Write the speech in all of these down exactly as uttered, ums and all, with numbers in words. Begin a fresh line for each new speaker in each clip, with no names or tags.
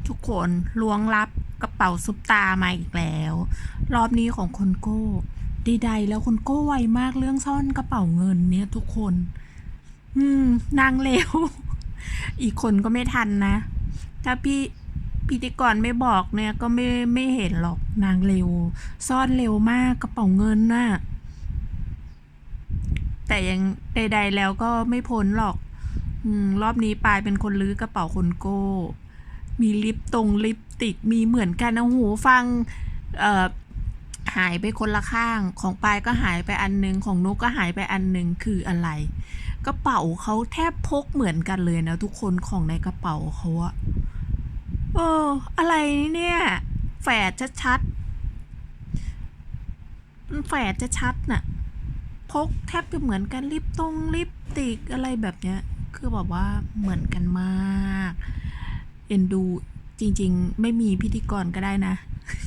ทุกคนล้วงลับกระเป๋าซุปตามาอีกแล้ว รอบนี้ของคนโก้ใดๆแล้วคนโก้ไวมากเรื่องซ่อนกระเป๋าเงินเนี่ยทุกคน อืมนางเร็ว อีกคนก็ไม่ทันนะ ถ้าพี่พิธีกรไม่บอกเนี่ยก็ไม่ไม่เห็นหรอกนางเร็ว ซ่อนเร็วมากกระเป๋าเงินน่ะแต่ยังใดๆแล้วก็ไม่พ้นหรอก อืมรอบนี้ปายเป็นคนลื้อกระเป๋าคนโก้ มีลิปตรงลิปติกมีเหมือนกันนะหูฟังเอ่อหายไปคนละข้างของปายก็หายไปอันนึงของนุกก็หายไปอันนึงคืออะไรกระเป๋าเขาแทบพกเหมือนกันเลยนะทุกคนของในกระเป๋าเขาอะเอออะไรเนี่ยแฝดชัดๆแฝดชัดๆน่ะพกแทบจะเหมือนกันลิปตรงลิปติกอะไรแบบเนี้ยคือแบบว่าเหมือนกันมากเอ็นดูจริงๆไม่มีพิธีกรก็ได้นะ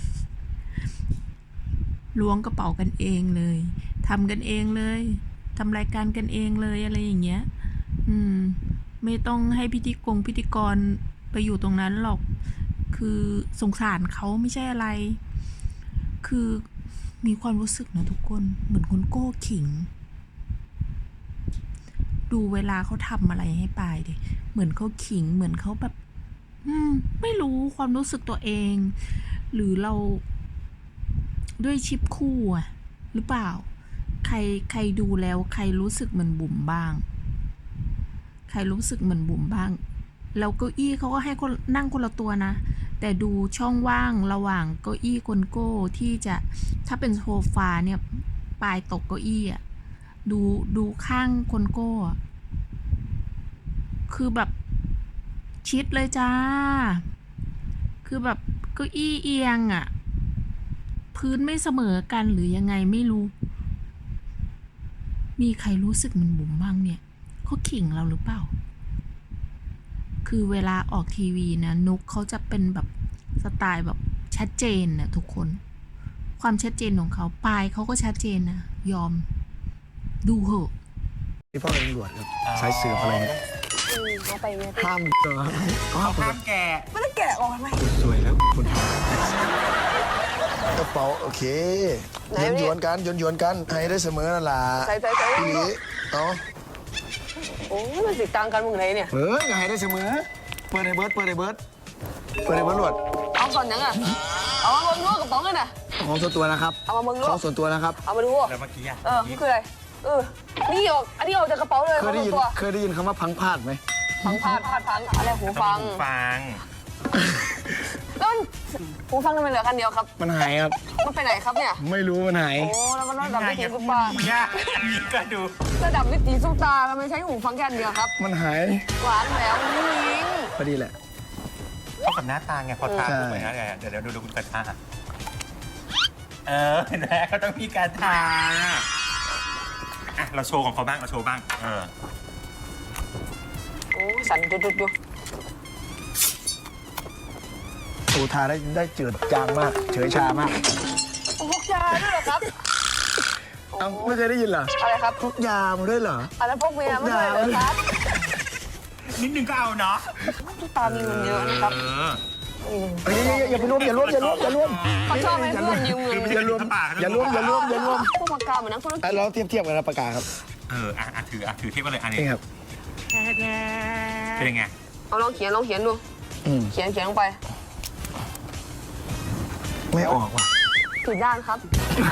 ล้วงกระเป๋ากันเองเลยทำกันเองเลยทำรายการกันเองเลยอะไรอย่างเงี้ยอืมไม่ต้องให้พิธีกรพิธีกรไปอยู่ตรงนั้นหรอกคือสงสารเขาไม่ใช่อะไรคือมีความรู้สึกนะทุกคนเหมือนคนโก้ขิงดูเวลาเขาทำอะไรให้ปายดิเหมือนเขาขิงเหมือนเขาแบบอืมไม่รู้ความรู้สึกตัวเองหรือเราด้วยชิปคู่อะหรือเปล่าใครใครดูแล้วใครรู้สึกเหมือนบุ๋มบ้างใครรู้สึกเหมือนบุ๋มบ้างแล้วเก้าอี้เขาก็ให้คนนั่งคนละตัวนะแต่ดูช่องว่างระหว่างเก้าอี้คนโก้ที่จะถ้าเป็นโซฟาเนี่ยปลายตกเก้าอี้อะดูดูข้างคนโก้คือแบบชิดเลยจ้าคือแบบเก้าอี้เอียงอ่ะพื้นไม่เสมอกันหรือยังไงไม่รู้มีใครรู้สึกเหมือนบุ๋มบ้างเนี่ยเขาขิงเราหรือเปล่าคือเวลาออกทีวีนะนุกเขาจะเป็นแบบสไตล์แบบชัดเจนนะทุกคนความชัดเจนของเขาปลายเขาก็ชัดเจนนะยอมดูเหอะ
นี่พ่อเป็นตำรวจครับสายสืบอะไรเนี่ย
เขาไปเนี่ย
ห้ามเหรอ
เขาห้ามแกะ
ไม่ได้แกะออกทำไม
สวยแล้วคุณกระเป๋าโอเคหยวนหยวนกันหยวนหยวนกันให้ได้เสมอนั่นแหละ
ใส่ใส่ใส่
พี่ลีเอา
โอ้ยมันสิตังกันมึงไหนเนี่ย
เฮ้ยให้ได้เสมอเปิดในเบิร์ดเปิดในเบิร์ดเปิดในเบิร์ดหลวด
เอาก่อนยังอ่ะเอามาเบิ่งดูกระป๋องกันนะ
ของส่วนตัวนะครับ
เอามาเบิ่งดู
ของส่วนตัวนะครับ
เอามาดู
แล้วเมื่อกี้อ่ะ
เออมันคืออะไรเออนี่ออกอันนี้ออกจากกระเป๋าเลย
เคยได้ยิน
ตัว
เคยได้ยินคำว่าพังพลาดไหม
พังพาดพาดพังอะไรหูฟัง
หูฟัง
แล้วมันหูฟังทำไมเหลือคันเดียวครับ
มันหายครับ
มันไปไหนครับเนี่ย
ไม่รู้มันหาย
โอ้แล้วมันระดับวิถีซุปตา
เนี่ยอันนี้ก็ดู
ระดับวิถีซุปตาทำไมใช้หูฟังแค่อันเดียวครับ
มันหาย
หวานแล้วนี่ลิง
พอดีแหละ
เข้ากับหน้าตาไงพอทาถูกไหมฮะเดี๋ยวเดี๋ยวดูดูคุณกระทาเออเห็นไหมเขาต้องมีการทาอ่ะเราโชว์ของเขาบ้างเราโชว์บ้างเออ
โอ้สั่นจุดจุดจุด
โอ้ทาได้ได้เจืดจางมากเฉยชามาก
พกยาด้วยเหรอครับ
เอ้าไม่เคยได้ยินเหรอ
อะไรครับ
พกยามาด้วยเหรอ
อะไรพกเมียไม่ด้วยเหรอครับ
นิดนึงก็เอาเนาะ
ซุปตามีเงินเยอะนะครับ
เฮ้ยอย่าไปรวมอย่ารวมอย่ารวมอย่ารวม
เขาชอบให้เพื่อนยืมเงิน
อย่ารวมอย่ารวมอย่ารวมอย่ารวม
พวกปากกาเหมือนนักธุรกิจ
เราเทียบเทียบกันนะปากกาครับ
เอออ่ะถืออ่ะถือเทียบกันเลยอันนี้
นี่ครับ
เป็นยังไง
เอาลองเขียนลองเขียนดูเขียนเขียนลงไป
ไม่ออกว่ะ
ผิดด้านครับ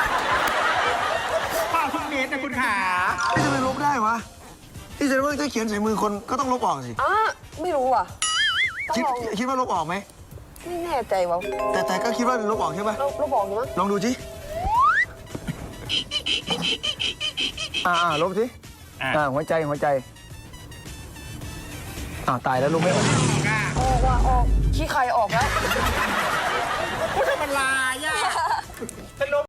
ข้าวทุกเม็ดนะคุณขา
ทำไมลบได้วะที่จะว่าถ้าเขียนใส่มือคนก็ต้องลบออกสิ
อ่ะไม่รู้อ่ะ
คิดคิดว่าลบออกไหม
ไม่แน่ใจว่ะ
แต่แต่ก็คิดว่าลบออกใช่ป่ะ
ลบออกอยู่มั้ง
ลองดูสิอ่าลบสิอ่าหัวใจหัวใจอ่าตายแล้วลบไม่ออก
ออกว่ะออกขี้ใครออกแล้ว
มันลายอ่ะ